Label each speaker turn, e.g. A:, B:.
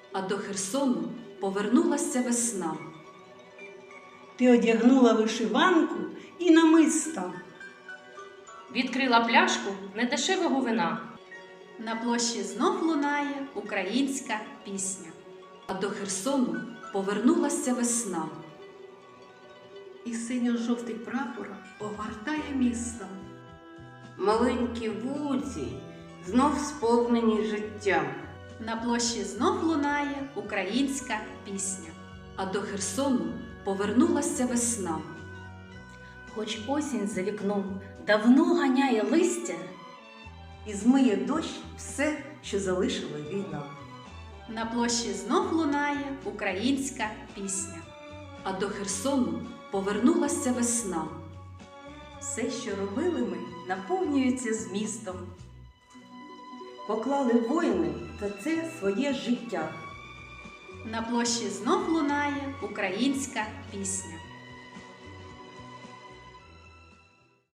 A: а до Херсону повернулася весна.
B: Ти одягнула вишиванку і намиста.
C: Відкрила пляшку недешевого вина.
A: На площі знов лунає українська пісня. А до Херсону повернулася весна.
D: І синьо-жовтий прапор огортає місто.
E: Маленькі вулиці знов сповнені життям.
A: На площі знов лунає українська пісня. А до Херсону повернулася весна.
F: Хоч осінь за вікном давно ганяє листя,
G: і змиє дощ все, що залишила війна.
A: На площі знов лунає українська пісня. А до Херсону повернулася весна.
G: Все, що робили ми, наповнюється змістом. Поклали воїни за це своє життя.
A: На площі знов лунає українська пісня.